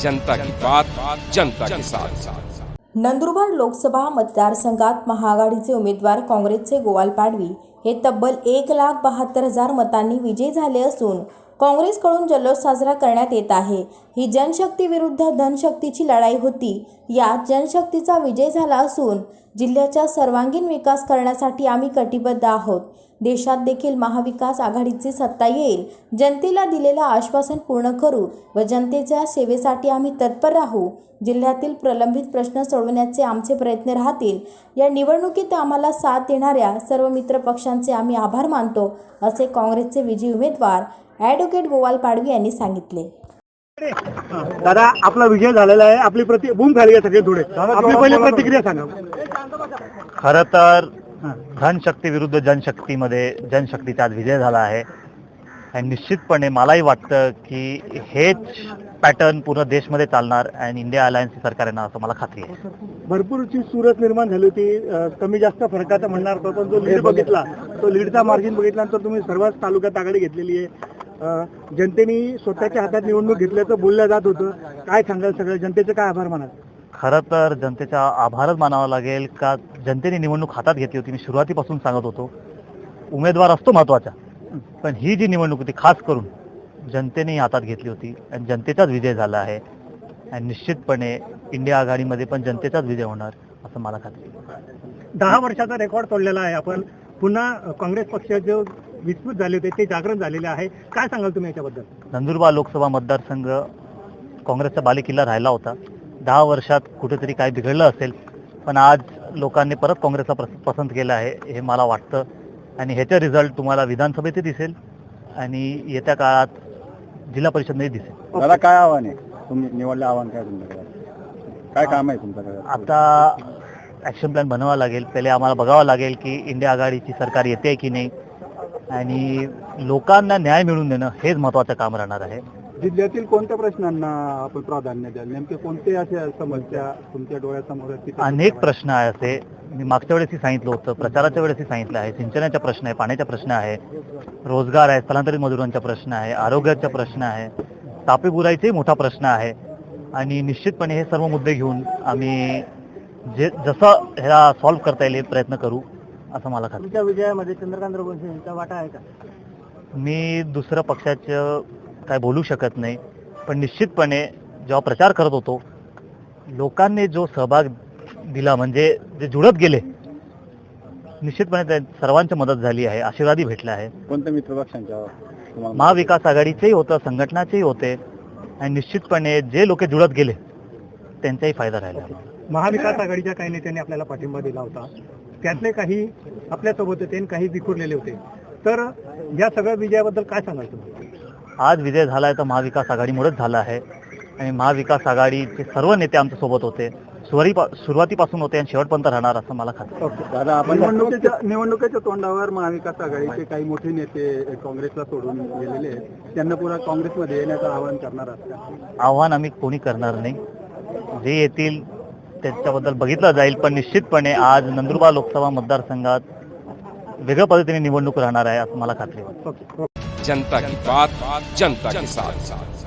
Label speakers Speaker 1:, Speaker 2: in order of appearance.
Speaker 1: जनता की बात जनता के साथ।
Speaker 2: नंदुरबार लोकसभा मतदारसंघात महाआघाडीचे उमेदवार काँग्रेसचे गोवाल पाडवी हे तब्बल 1,72,000 मतांनी विजयी झाले असून काँग्रेसकडून जल्लोष साजरा करण्यात येत आहे। ही जनशक्ती विरुद्ध धनशक्तीची लढाई होती। यात जनशक्तीचा विजय झाला असून जिल्ह्याचा सर्वांगीण विकास करण्यासाठी आम्ही कटिबद्ध आहोत। देशात देखील महाविकास आघाडीची सत्ता येईल। जनतेला दिलेलं आश्वासन पूर्ण करू व जनतेच्या सेवेसाठी आम्ही तत्पर राहू। जिल्ह्यातील प्रलंबित प्रश्न सोडवण्याचे आमचे प्रयत्न राहतील। या निवडणुकीत आम्हाला साथ देणाऱ्या सर्व मित्र पक्षांचे आम्ही आभार मानतो, असे काँग्रेसचे विजयी उमेदवार ॲडव्होकेट गोवाल पाडवी यांनी सांगितले।
Speaker 3: दादा, आपला विजय झालेला आहे, आपली बूम झाली आहे सगळे थोडे, आपली पहिली प्रतिक्रिया सांगा।
Speaker 4: खरं तर धनशक्ती विरुद्ध जनशक्तीमध्ये जनशक्तीचा आज विजय झाला आहे आणि निश्चितपणे मलाही वाटतं की हेच पॅटर्न पूर्ण देशमध्ये चालणार आणि इंडिया अलायन्स सरकार येणार असं मला खात्री आहे।
Speaker 3: भरपूरची सूरत निर्माण झाली होती, कमी जास्त फरकाचा म्हणणार, पण जो लीड बघितला, तो लीडचा मार्जिन बघितल्यानंतर तुम्ही सर्वच तालुक्यात आघाडी घेतलेली आहे। जनतेने स्वतःच्या हातात निवडणूक घेतल्याचं बोललं जात होतं, काय सांगाल? सगळ्या जनतेचे काय आभार मानाल?
Speaker 4: खरं तर जनतेचा आभारच मानावा लागेल का जनतेने निवडणूक हातात घेतली होती। मी सुरुवातीपासून सांगत होतो उमेदवार असतो महत्त्वाचा, पण ही जी निवडणूक होती खास करून जनतेने हातात घेतली होती आणि जनतेचाच विजय झाला आहे आणि निश्चितपणे इंडिया आघाडीमध्ये पण जनतेचाच विजय होणार असं मला खात्री आहे।
Speaker 3: 10 वर्षाचा रेकॉर्ड तोडलेला आहे आपण। पुन्हा काँग्रेस पक्षाचे विस्फोट झाले होते ते जागरण झालेले आहे, काय सांगाल तुम्ही याच्याबद्दल?
Speaker 4: नंदुरबार लोकसभा मतदारसंघ काँग्रेसचा बालेकिल्ला राहिला होता। 10 वर्षात कुठेतरी काय बिघडलं असेल, पण आज लोकांनी परत काँग्रेसला पसंत केलं आहे हे मला वाटतं आणि ह्याचा रिझल्ट तुम्हाला विधानसभेतही दिसेल आणि येत्या काळात जिल्हा परिषदमध्ये दिसेल।
Speaker 3: दादा, काय आव्हान आहे तुम्ही निवडलं? आव्हान काय तुमच्याकडे? काय काम आहे तुमच्याकडे?
Speaker 4: आता ॲक्शन प्लॅन बनवावा लागेल। पहिले आम्हाला बघावं लागेल की इंडिया आघाडीची सरकार येते की नाही आणि लोकांना न्याय मिळवून देणं हेच महत्त्वाचं काम राहणार आहे।
Speaker 3: जिल्ह्यातील कोणत्या प्रश्नांना आपण प्राधान्य द्याल? नेमके कोणते असे समस्या तुमच्या डोळ्यासमोर आहेत?
Speaker 4: अनेक प्रश्न आहे असे, मी मागच्या वेळेसही सांगितलं होतं, प्रचाराच्या वेळेसही सांगितलं आहे। सिंचनाचा प्रश्न आहे, पाण्याचा प्रश्न आहे, रोजगार आहे, स्थलांतरित मजुरांचा प्रश्न आहे, आरोग्याचा प्रश्न आहे, तापी बुराईचाही मोठा प्रश्न आहे आणि निश्चितपणे हे सर्व मुद्दे घेऊन आम्ही जसं ह्याला सॉल्व्ह करता येईल प्रयत्न करू असं मला खात्री।
Speaker 3: तुमच्या विजयामध्ये चंद्रकांत रघुवंशी यांचा वाटा आहे का?
Speaker 4: मी दुसऱ्या पक्षाचं काय बोलू शकत नाही, पण निश्चितपणे जेव्हा प्रचार करत होतो लोकांनी जो सहभाग दिला, म्हणजे जे जुळत गेले, निश्चितपणे त्या सर्वांची मदत झाली आहे, आशीर्वादही भेटला आहे।
Speaker 3: कोणत्या मित्रपक्षांच्या?
Speaker 4: महाविकास आघाडीचेही होतं, संघटनाचेही होते आणि निश्चितपणे जे लोक जुळत गेले त्यांचाही फायदा राहिला।
Speaker 3: महाविकास आघाडीच्या काही नेत्यांनी आपल्याला पाठिंबा दिला होता, त्यातले काही आपल्यासोबत होते आणि काही विखुरलेले होते, तर या सगळ्या विजयाबद्दल काय सांगाल तुम्ही?
Speaker 4: आज विजय झाला आहे तर महाविकास आघाडीमुळेच झाला आहे आणि महाविकास आघाडीचे सर्व नेते आमच्या सोबत होते, सुरुवातीपासून होते आणि शेवटपर्यंत राहणार असं मला खात्री आहे।
Speaker 3: दादा, आपण निवडणुकीच्या तोंडावर महाविकास आघाडीचे काही मोठे नेते काँग्रेसला सोडून गेलेले आहेत, त्यांना पुन्हा काँग्रेसमध्ये येण्याचं आवाहन करणार असतात?
Speaker 4: आव्हान आम्ही कोणी करणार नाही, जे येतील त्याच्याबद्दल बघितलं जाईल, पण निश्चितपणे आज नंदुरबार लोकसभा मतदारसंघात वेगळ्या पद्धतीने निवडणूक राहणार आहे असं मला खात्री आहे।
Speaker 1: जनता की बात जनता के साथ।